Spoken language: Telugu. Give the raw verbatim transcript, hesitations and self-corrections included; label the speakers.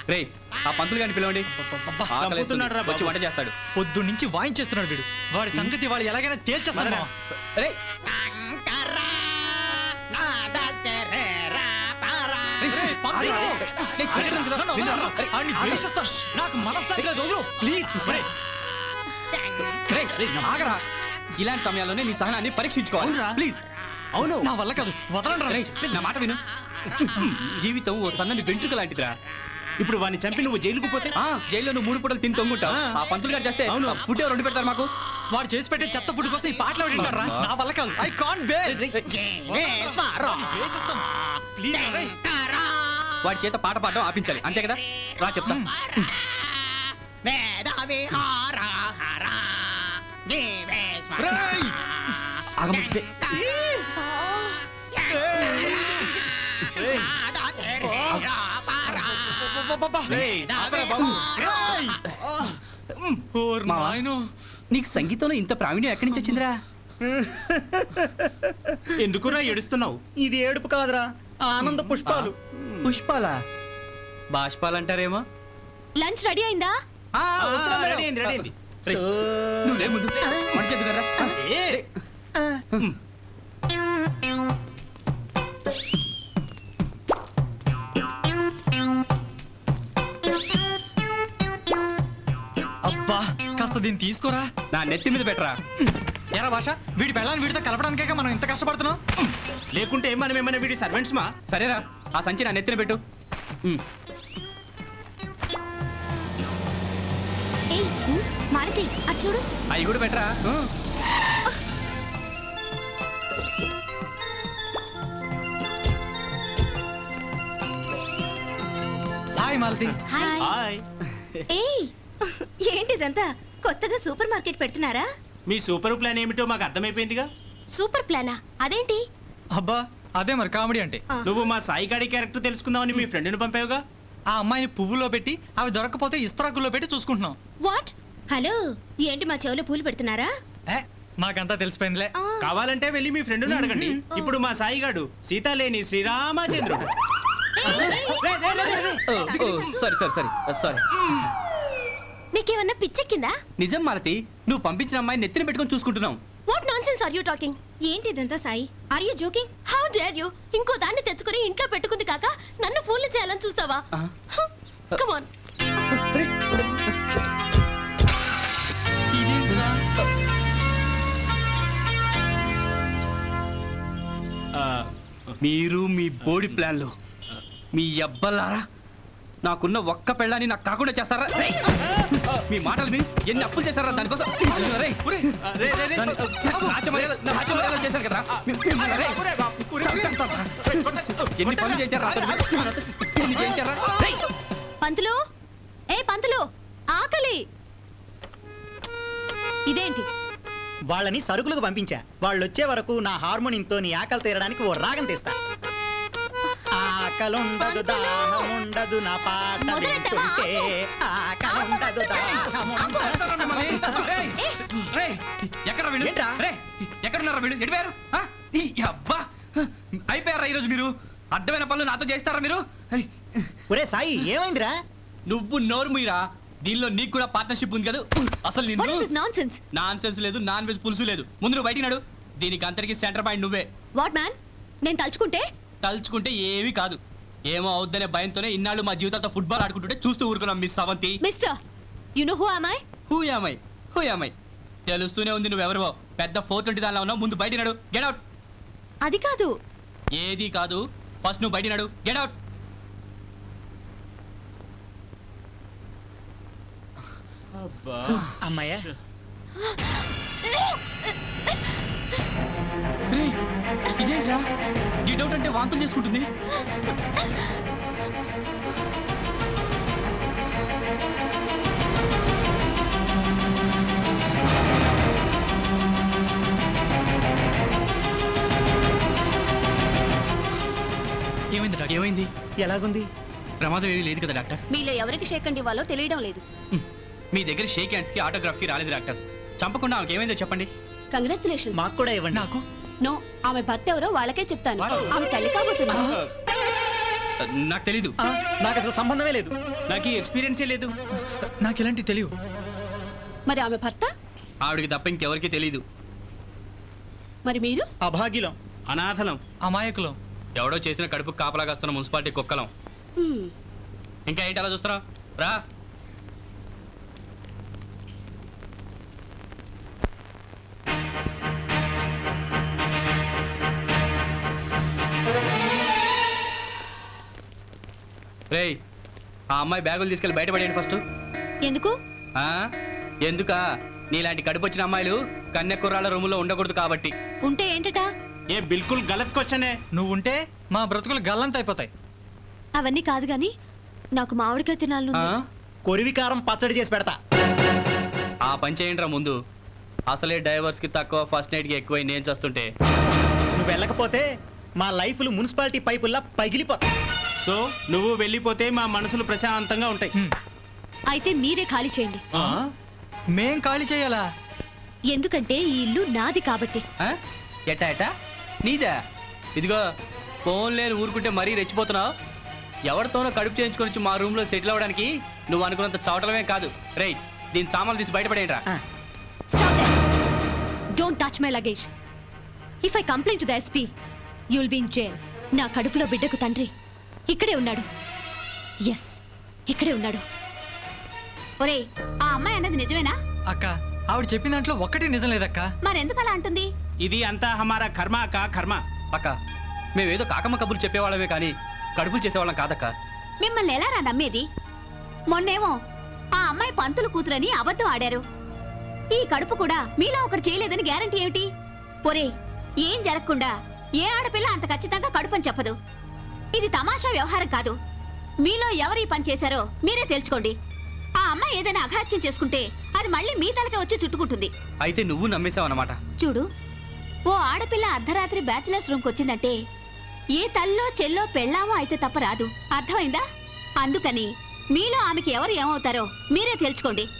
Speaker 1: రే ఆ పంతులు గారిని పిలవండి. వచ్చి వంట చేస్తాడు.
Speaker 2: పొద్దు నుంచి వాయించేస్తున్నాడు వీడు. వాడి సంగతి వాళ్ళు ఎలాగైనా తేల్చేస్తాడు. నాకు మనస్సాక్షి లేదు. ప్లీజ్
Speaker 1: ఆగరా. ఇలాంటి సమయాల్లోనే నీ సహనాన్ని పరీక్షించుకోవాలి. ప్లీజ్.
Speaker 2: అవును, నా వల్ల కాదు. వదలండి.
Speaker 1: నా మాట విను. జీవితం ఓ సన్నని వెంట్రుక లాంటిదిరా.
Speaker 3: ఇప్పుడు వాడిని చంపి నువ్వు జైలుకు పోతే
Speaker 1: జైల్లో నువ్వు మూడు పూటలు తిని తొంగుంటావు. ఆ పంతులు గారు చేస్తే అవును ఫుడ్ ఎవరు వండి పెడతారు మాకు?
Speaker 2: వాడు చేసి పెట్టే చెత్త ఫుడ్ కోసం ఈ పాటలు వింటారా? నా వల్ల కాదు. I can't bear.
Speaker 1: వాడి చేత పాట పాడడం ఆపించాలి, అంతే కదా? రా చెప్తా. ఆగమంటే నీకు సంగీతంలో ఇంత ప్రావీణ్యం ఎక్కడి నుంచి వచ్చిందిరా?
Speaker 3: ఎందుకురా ఏడుస్తున్నావు?
Speaker 4: ఇది ఏడుపు కాదురా, ఆనంద పుష్పాలు.
Speaker 1: పుష్పాలా? బాష్పాలంటారేమో.
Speaker 5: లంచ్ రెడీ అయిందా?
Speaker 3: రెడీ అయింది రెడీ అయింది.
Speaker 1: నువ్వు లే ముందు మంచి కదా.
Speaker 2: అబ్బా కాస్త దీన్ని తీసుకోరా.
Speaker 1: నా నెత్తి మీద పెట్టరా.
Speaker 2: ఎరా భాష, వీడి పెళ్ళాన్ని వీడితో కలపడానికే మనం ఇంత కష్టపడుతున్నాం.
Speaker 3: లేకుంటే మనం ఏమైనా వీడి సర్వెంట్స్ మా?
Speaker 1: సరేరా, ఆ సంచి నా నెత్తిన పెట్టు.
Speaker 5: మారుతి అటు చూడు.
Speaker 1: అవి కూడా పెట్టరా.
Speaker 2: హాయ్ మాలతి.
Speaker 3: హాయ్.
Speaker 5: ఏయ్ ఏంటిదంతా కొత్తగా సూపర్ మార్కెట్ పెడుతున్నారా?
Speaker 3: మీ సూపర్ ప్లాన్ ఏమిటో మాకు అర్థమైపోయిందిగా.
Speaker 5: సూపర్ ప్లానా? అదేంటి?
Speaker 2: అబ్బా అదే మరి కామెడీ అంటే.
Speaker 3: నువ్వు మా సాయి గాడి క్యారెక్టర్ తెలుసుకుందామని మీ ఫ్రెండ్ని పంపావుగా.
Speaker 2: ఆ అమ్మాయిని పువ్వులో పెట్టి అవి దొరకపోతే ఇస్తరాకుల్లో పెట్టి చూసుకుంటున్నాం.
Speaker 5: వాట్? హలో, ఏంటి మా చెవులో పూలు పెడుతున్నారా?
Speaker 2: మాకంతా తెలిసిపోయిందిలే.
Speaker 3: కావాలంటే వెళ్ళి మీ ఫ్రెండ్ని అడగండి. ఇప్పుడు మా సాయి గాడు సీత లేని శ్రీరామచంద్రుడు.
Speaker 1: సరే సరే సరే సారీ.
Speaker 5: నీకేమన్నా పిచ్చెక్కిందా?
Speaker 1: నిజం మాలతి, నువ్వు పంపించిన అమ్మాయి నెత్తిన పెట్టుకొని చూసుకుంటున్నాం.
Speaker 5: What nonsense are you talking? ఏంటిదంతా Sai? Are you joking? How dare you? ఇంకో దాన్ని తెచ్చుకొని ఇంట్లో పెట్టుకుంది కాక నన్ను ఫూల్ చేయాలని చూస్తావా? Come on.
Speaker 1: మీరు మీ బోడి ప్లాన్లు మీ అబ్బలారా నాకున్న ఒక్క పెళ్ళాన్ని నాకు కాకుండా చేస్తారా? మీ మాటలు మీ ఎన్ని అప్పులు చేస్తారా దానికోసం? చేశారు కదా, ఎన్ని పనులు చేశారా? ఎన్ని చేయించారా?
Speaker 5: పంతులు, ఏ పంతులు, ఆకలి. ఇదేంటి?
Speaker 4: వాళ్ళని సరుకులకు పంపించా. వాళ్ళు వచ్చే వరకు నా హార్మోనియంతో నీ ఆకలి తీరడానికి ఓ రాగం తీస్తా. ఆకలుండదు దాహముండదు నా పాట వింటుంటే, ఆకలుండదు దాహముండదు.
Speaker 1: ఎక్కడ వీళ్ళు? ఎక్కడున్నారా వీళ్ళు? ఎడిపోయారు? అబ్బా అయిపోయారా ఈరోజు మీరు? అడ్డమైన పనులు నాతో చేస్తారా మీరు?
Speaker 4: ఒరే సాయి, ఏమైందిరా?
Speaker 1: నువ్వు నోరు మీరా. దీనిలో నీకు కూడా పార్ట్నర్షిప్ ఉంది కదా. అసలు నాన్ సెన్స్ లేదు, నాన్ వెజ్ పులుసు లేదు. ముందు నువ్వు బయటికి నడు. దీనికి అంతరికి సెంటర్ పాయింట్ నువ్వే.
Speaker 5: What man? నేను తలుచుకుంటే
Speaker 1: తలుచుకుంటే ఏమీ కాదు. ఏమో అవుద్దనే భయంతోనే ఇన్నాళ్ళు మా జీవితాలతో ఫుట్బాల్ ఆడుకుంటుంటే చూస్తూ ఊరుకున్నాం. Miss Avanthi.
Speaker 5: Mister, you know who am I?
Speaker 1: Who am I? Who am I? తెలుస్తూనే ఉంది నువ్వెవరో. పెద్ద ఫోర్ ట్వంటీ దానిలో ఉన్నావు. ముందు బయటికి నడు. Get out.
Speaker 5: అది కాదు.
Speaker 1: ఏది కాదు, ఫస్ట్ నువ్వు బయటికి నడు. Get out.
Speaker 4: అమ్మాయ్యా,
Speaker 1: ఇదేంట్రా? గెట్ అవుట్ అంటే వాంతులు చేసుకుంటుంది.
Speaker 2: ఏమైంది డాక్టర్?
Speaker 1: ఏమైంది?
Speaker 4: ఎలాగుంది?
Speaker 1: ప్రమాదం ఏమీ లేదు కదా డాక్టర్?
Speaker 5: మీలో ఎవరికి షేక్ హ్యాండ్ ఇవ్వాలో తెలియడం లేదు.
Speaker 1: మీ దగ్గర షేక్ హ్యాండ్స్ కి ఆటోగ్రాఫ్ కి రాలేదు డాక్టర్. చంపకుండా ఆమెకి ఏమైందో చెప్పండి.
Speaker 5: కంగ్రాచులేషన్.
Speaker 4: మాకు కూడా ఇవ్వండి.
Speaker 2: నాకు
Speaker 5: నో, ఆమె భర్త ఎవరో వాళ్ళకే చెప్తాను. ఆమె తల్లి కాబోతుంది.
Speaker 1: నాకు తెలీదు.
Speaker 4: ఆ, నాకు అసలు సంబంధమే లేదు.
Speaker 3: నాకు ఈ ఎక్స్పీరియన్సే లేదు.
Speaker 2: నాకు ఇలాంటి తెలియదు.
Speaker 6: మరి ఆమె భర్త?
Speaker 1: ఆవిడికి తప్ప ఇంకెవరికి తెలీదు.
Speaker 6: మరి మీరు?
Speaker 4: అభాగ్యులం,
Speaker 3: అనాథలం,
Speaker 2: అమాయకులం.
Speaker 1: ఎవడో చేసిన కడుపు కాపలాగాస్తున్న మున్సిపాలిటీ కుక్కలం.
Speaker 6: హ్మ్.
Speaker 1: ఇంకా ఏంటి అలా చూస్తున్నావు? రా. రేయ్, ఆ అమ్మాయి బ్యాగులు తీసుకెళ్ళి బయటపడేయండి ఫస్ట్.
Speaker 5: ఎందుకు?
Speaker 1: ఆ? ఎందుకా? నీలాంటి కడుపు వచ్చిన అమ్మాయిలు కన్య కుర్రాళ్ళ రూములో ఉండకూడదు కాబట్టి.
Speaker 5: ఉంటే ఏంటట?
Speaker 3: ఏ బిల్కుల్ గలత్ క్వశ్చనే.
Speaker 2: నువ్వుంటే మా బ్రతుకులు గల్లంత అయిపోతాయి.
Speaker 5: అవన్నీ కాదు గాని నాకు మామిడికాయ తినాలను.
Speaker 1: ఆ?
Speaker 4: కొరివికారం పచ్చడి చేసి పెడతా.
Speaker 1: ఆ పని చేయండి రా ముందు. అసలే డైవర్స్ కి తక్కువ, ఫస్ట్ నైట్ కి ఎక్కువ నేను చేస్తుంటే.
Speaker 4: నువ్వు వెళ్ళకపోతే మా లైఫ్లు మున్సిపాలిటీ పైపుల్లా పగిలిపోతాయి.
Speaker 3: సో నువ్వు వెళ్ళిపోతే మా మనసులు ప్రశాంతంగా ఉంటాయి.
Speaker 2: హ్మ్.
Speaker 5: అయితే మీరే ఖాళీ చేయండి.
Speaker 3: ఆ?
Speaker 2: మేం ఖాళీ చేయాలా?
Speaker 5: ఎందుకంటే ఈ ఇల్లు నాది కాబట్టి.
Speaker 1: ఆ? ఎట్టా ఎట్టా నీదా? ఇదిగో ఫోన్ లేని ఊరుకుంటే మరీ రెచ్చిపోతున్నావు. ఎవరితోనో కడుపు చేయించుకొని వచ్చి మా రూమ్ లో సెటిల్ అవ్వడానికి నువ్వు అనుకున్నంత చవటమే కాదు. రేయ్, దీని సామాన్లు తీసి బయటపడేయండి రా.
Speaker 4: ఆ,
Speaker 5: Stop there. Don't touch my luggage. If I complain to the S P, you'll be in jail. నా కడుపులో బిడ్డకు తండ్రి ఇక్కడే ఉన్నాడు. ఎస్, ఇక్కడే ఉన్నాడు. ఒరేయ్, ఆ అమ్మాయి అన్నది నిజమేనా?
Speaker 2: అక్క, ఆవిడ చెప్పిన దాంట్లో ఒక్కటి నిజం లేదక్క.
Speaker 5: మరెందుకు అలా అంటుంది?
Speaker 3: ఇది అంతా హమారా కర్మ కా కర్మ.
Speaker 1: అక్క, మేమేదో కాకమ్మ కబుర్లు చెప్పేవాళ్ళమే కానీ కడుపులు చేసేవాళ్ళం కాదక్క.
Speaker 5: మిమ్మల్ని ఎలా రా నమ్మేది? మొన్నేమో ఆ అమ్మాయి పంతులు కూతురని అబద్ధం ఆడారు. ఈ కడుపు కూడా మీలా ఒకటి చేయలేదని గ్యారంటీ ఏమిటి? పొరే, ఏం జరగకుండా ఏ ఆడపిల్ల అంత ఖచ్చితంగా కడుపని చెప్పదు. ఇది తమాషా వ్యవహారం కాదు. మీలో ఎవరు ఈ పని చేశారో మీరే తెలుసుకోండి. ఆ అమ్మాయి ఏదైనా అఘాత్యం చేసుకుంటే అది మళ్ళీ మీ తలకే వచ్చి చుట్టుకుంటుంది.
Speaker 1: అయితే నువ్వు నమ్మేశావు అన్నమాట.
Speaker 5: చూడు, ఓ ఆడపిల్ల అర్ధరాత్రి బ్యాచిలర్స్ రూమ్కి వచ్చిందంటే ఏ తల్లో చెల్లో పెళ్ళామో అయితే తప్ప రాదు. అర్థమైందా? అందుకని మీలో ఆమెకి ఎవరు ఏమవుతారో మీరే తెలుసుకోండి.